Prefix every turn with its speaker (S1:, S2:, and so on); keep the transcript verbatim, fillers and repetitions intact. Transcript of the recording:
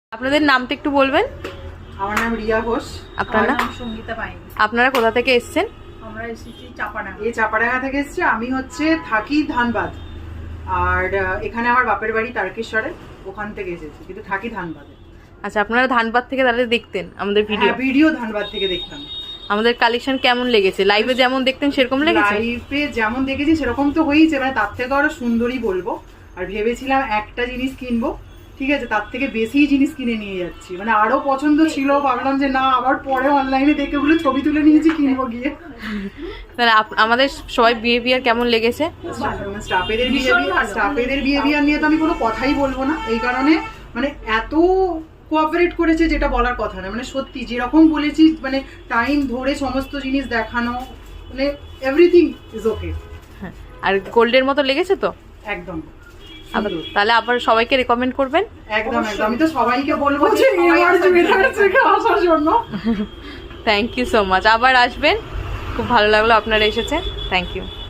S1: আপনাদের নামটা একটু বলবেন?
S2: আমার নাম রিয়া ঘোষ।
S1: আপনার নাম?
S3: সঙ্গীতা পাইনি।
S1: আপনারা কোথা থেকে এসেছেন?
S3: আমরা এসেছি চাপাডাঙ্গা।
S2: এই চাপাডাঙ্গা থেকে এসেছি। আমি হচ্ছে থাকি ধানবাদ, আর এখানে আমার বাপের বাড়ি তারকেশ্বরে, ওখান থেকে এসেছি, কিন্তু থাকি ধানবাদে।
S1: আচ্ছা, আপনারা ধানবাদ থেকে তাহলে দেখতেন আমাদের ভিডিও?
S2: ভিডিও ধানবাদ থেকে দেখতাম।
S1: আমাদের কালেকশন কেমন লেগেছে? লাইভে যেমন দেখতেন সেরকম লেগেছে?
S2: লাইভে যেমন দেখেছি সেরকম তো হয়েছে, মানে তার থেকে আরো সুন্দরই বলবো। আর ভেবেছিলাম একটা জিনিস কিনবো, ঠিক আছে, তার থেকে বেশি জিনিস কিনে নিয়ে যাচ্ছি, মানে আরো পছন্দ ছিল, ভাবলাম যে না আবার পরে অনলাইনে দেখে ওগুলো ছবি তুলে নিয়েছি, কিনবো গিয়ে।
S1: তাহলে আমাদের সবাই বিহেভিয়ার কেমন লেগেছে?
S2: স্টাফেদের বিহেভিয়ার স্টাফেদের বিহেভিয়ার নিয়ে তো আমি কোনো কথাই বলবো না, এই কারণে মানে এত কোঅপারেট করেছে যেটা বলার কথা না, মানে সত্যি যেরকম বলেছি, মানে টাইম ধরে সমস্ত জিনিস দেখানো, মানে এভরিথিং ইজ ওকে।
S1: আর গোল্ডের মতো লেগেছে তো
S2: একদম।
S1: আবার তাহলে আবার সবাইকে রেকমেন্ড করবেন?
S2: একদম একদম, আমি তো সবাইকে বলবো যে এবার জুয়েলার্স থেকে আসার জন্য।
S1: Thank you so much. আবার আসবেন, খুব ভালো লাগলো আপনারা এসেছেন। Thank you.